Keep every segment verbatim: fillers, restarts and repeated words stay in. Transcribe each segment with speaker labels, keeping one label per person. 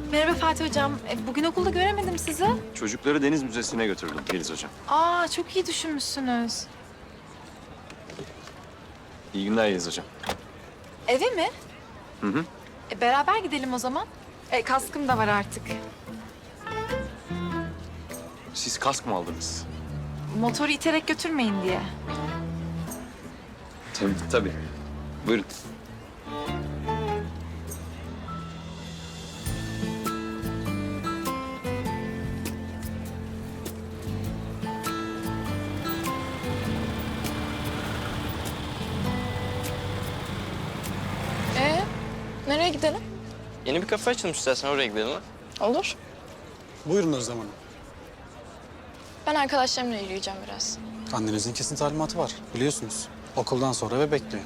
Speaker 1: Merhaba Fatih Hocam. E, bugün okulda göremedim sizi.
Speaker 2: Çocukları Deniz Müzesi'ne götürdüm Yeliz Hocam.
Speaker 1: Aa, çok iyi düşünmüşsünüz.
Speaker 2: İyi günler Yeliz Hocam.
Speaker 1: Eve mi?
Speaker 2: Hı hı.
Speaker 1: E, beraber gidelim o zaman. E, kaskım da var artık.
Speaker 2: Siz kask mı aldınız?
Speaker 1: Motoru iterek götürmeyin diye.
Speaker 2: Tabii, tabii. Buyurun.
Speaker 1: Ee, nereye gidelim?
Speaker 3: Yeni bir kafe açılmış, istersen oraya gidelim ha.
Speaker 4: Olur.
Speaker 5: Buyurun Özlem Hanım.
Speaker 4: Ben arkadaşlarımla yürüyeceğim biraz.
Speaker 5: Annenizin kesin talimatı var biliyorsunuz. Okuldan sonra eve bekliyor.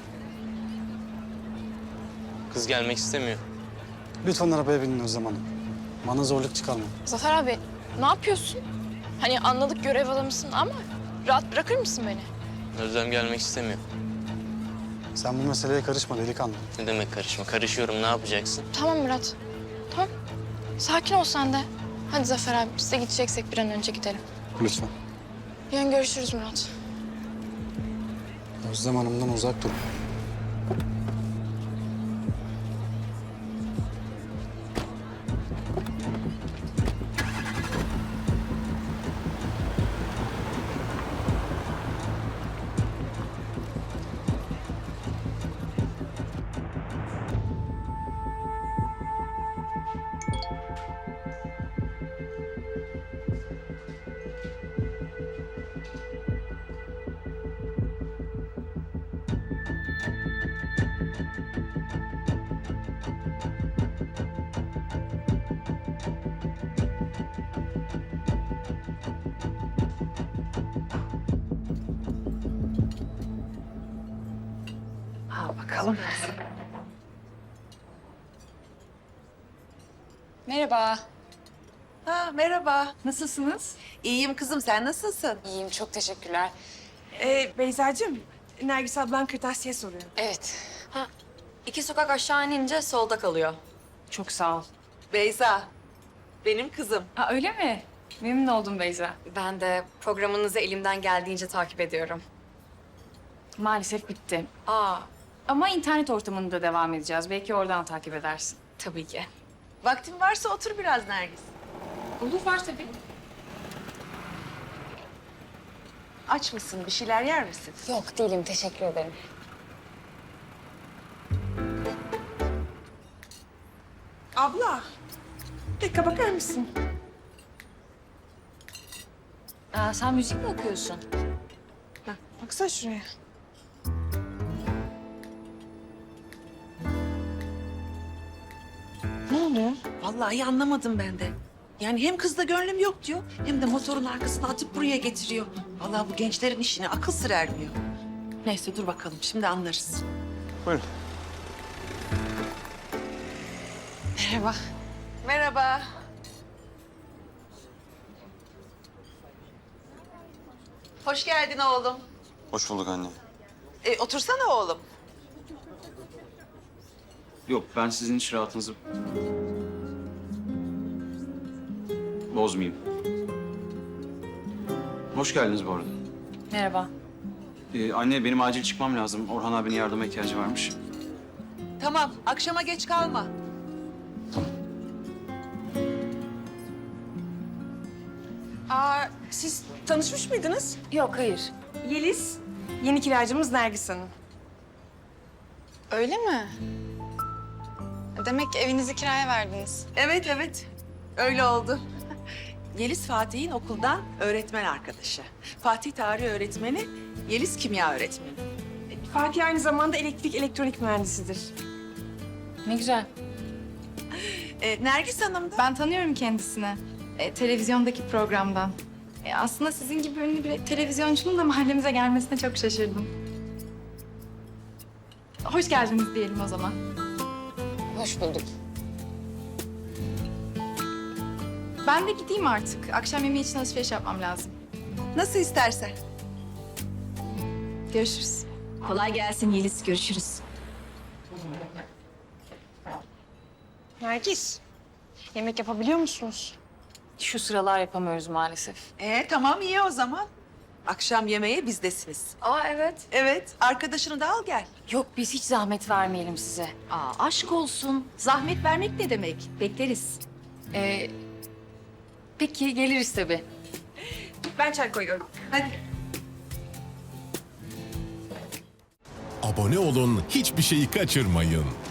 Speaker 3: Kız gelmek istemiyor.
Speaker 5: Lütfen arabaya binin Özlem Hanım. Bana zorluk çıkarmayın.
Speaker 4: Zafer abi ne yapıyorsun? Hani anladık görev adamısın ama rahat bırakır mısın beni?
Speaker 3: Özlem gelmek istemiyor.
Speaker 5: Sen bu meseleye karışma delikanlı.
Speaker 3: Ne demek karışma? Karışıyorum, ne yapacaksın?
Speaker 4: Tamam Murat. Tamam. Sakin ol sen de. Hadi Zafer abi biz de gideceksek bir an önce gidelim.
Speaker 5: Lütfen.
Speaker 4: Yarın görüşürüz Murat.
Speaker 5: Özlem Hanım'dan uzak durun.
Speaker 6: Al bakalım.
Speaker 7: Merhaba.
Speaker 6: Ha, merhaba.
Speaker 7: Nasılsınız?
Speaker 6: İyiyim kızım, sen nasılsın?
Speaker 7: İyiyim, çok teşekkürler.
Speaker 8: Ee, Beyza'cığım, Nergis ablan kırtasiye soruyor.
Speaker 7: Evet,
Speaker 9: Ha, iki sokak aşağı inince solda kalıyor.
Speaker 7: çok sağ ol.
Speaker 6: Beyza, benim kızım.
Speaker 7: Ha, öyle mi? Memnun oldum Beyza.
Speaker 9: Ben de programınızı elimden geldiğince takip ediyorum.
Speaker 7: Maalesef bitti.
Speaker 9: Aa,
Speaker 7: Ama internet ortamında devam edeceğiz. Belki oradan takip edersin.
Speaker 9: tabii ki.
Speaker 6: Vaktin varsa otur biraz Nergis.
Speaker 7: Olur, var tabii.
Speaker 6: Aç mısın, bir şeyler yer misin?
Speaker 7: Yok değilim, teşekkür ederim.
Speaker 8: Abla, bir dakika bakar mısın?
Speaker 7: Aa, sen müzik mi okuyorsun?
Speaker 8: Heh, baksana şuraya. Ne oluyor?
Speaker 6: Vallahi anlamadım ben de. Yani hem kızda gönlüm yok diyor, hem de motorun arkasına atıp buraya getiriyor. Vallahi bu gençlerin işine akıl sır ermiyor. Neyse dur bakalım, şimdi anlarız.
Speaker 2: Buyurun.
Speaker 6: Merhaba. Merhaba. Hoş geldin oğlum.
Speaker 2: Hoş bulduk anne.
Speaker 6: E, otursana oğlum.
Speaker 2: Yok, ben sizin iş rahatınızı bozmayayım. Hoş geldiniz bu arada.
Speaker 7: Merhaba.
Speaker 2: Ee, anne, benim acil çıkmam lazım. Orhan abinin yardıma ihtiyacı varmış.
Speaker 6: Tamam, akşama geç kalma.
Speaker 8: Aa, siz tanışmış mıydınız?
Speaker 7: Yok, hayır.
Speaker 8: Yeliz, yeni kiracımız Nergis Hanım.
Speaker 4: Öyle mi? Demek evinizi kiraya verdiniz.
Speaker 6: Evet, evet. Öyle oldu. Yeliz Fatih'in okuldan öğretmen arkadaşı. Fatih tarih öğretmeni, Yeliz kimya öğretmeni.
Speaker 8: Fatih aynı zamanda elektrik elektronik mühendisidir.
Speaker 7: Ne güzel.
Speaker 6: Ee, Nergis Hanım da...
Speaker 1: Ben tanıyorum kendisini. E, televizyondaki programdan. E, aslında sizin gibi ünlü bir televizyoncunun da mahallemize gelmesine çok şaşırdım. Hoş geldiniz diyelim o zaman.
Speaker 7: Hoş bulduk.
Speaker 1: Ben de gideyim artık. Akşam yemeği için alışveriş yapmam lazım.
Speaker 6: Nasıl istersen.
Speaker 1: Görüşürüz.
Speaker 9: Kolay gelsin Yeliz, görüşürüz.
Speaker 8: Nergis,
Speaker 4: Yemek yapabiliyor musunuz?
Speaker 7: Şu sıralar yapamıyoruz maalesef.
Speaker 6: Ee tamam iyi o zaman. Akşam yemeğe bizdesiniz.
Speaker 9: Aa evet.
Speaker 6: Evet, arkadaşını da al gel.
Speaker 7: Yok biz hiç zahmet vermeyelim size.
Speaker 1: Aa, aşk olsun. Zahmet vermek ne demek? Bekleriz.
Speaker 7: Ee, peki geliriz tabii.
Speaker 8: Ben çay koyuyorum.
Speaker 6: Hadi.
Speaker 10: Abone olun, hiçbir şeyi kaçırmayın.